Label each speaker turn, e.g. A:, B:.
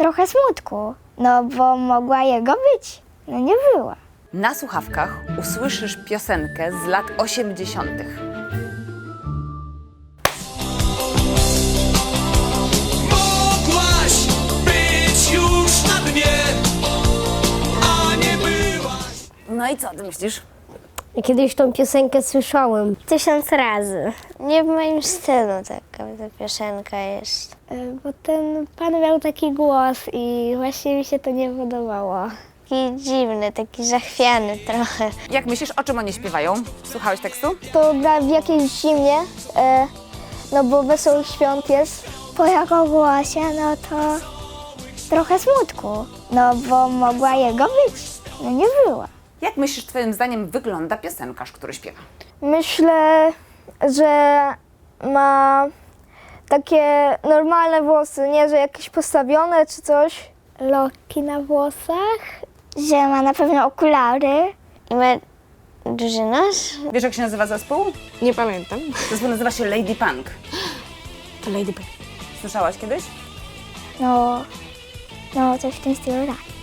A: trochę smutku, no bo mogła jego być, no nie była.
B: Na słuchawkach usłyszysz piosenkę z lat 80.
C: Mogłaś być już na dnie, a nie byłaś.
B: No i co ty myślisz?
D: Kiedyś tą piosenkę słyszałem.
A: 1000 razy.
D: Nie w moim stylu taka ta piosenka jest.
A: Bo ten pan miał taki głos i właśnie mi się to nie podobało.
D: Taki dziwny, taki zachwiany trochę.
B: Jak myślisz, o czym oni śpiewają? Słuchałeś tekstu?
A: To gra w jakiejś zimie, no bo Wesołych Świąt jest. Po jego głosie, no to trochę smutku, no bo mogła jego być, no nie była.
B: Jak myślisz, twoim zdaniem wygląda piosenkarz, który śpiewa?
A: Myślę, że ma takie normalne włosy, nie, że jakieś postawione czy coś. Loki na włosach. Że ma na pewno okulary.
D: I ma duży nos.
B: Wiesz, jak się nazywa zespół?
E: Nie pamiętam.
B: Zespół nazywa się Lady Punk.
E: To Lady Bird.
B: Słyszałaś kiedyś?
A: No coś w tym stylu tak.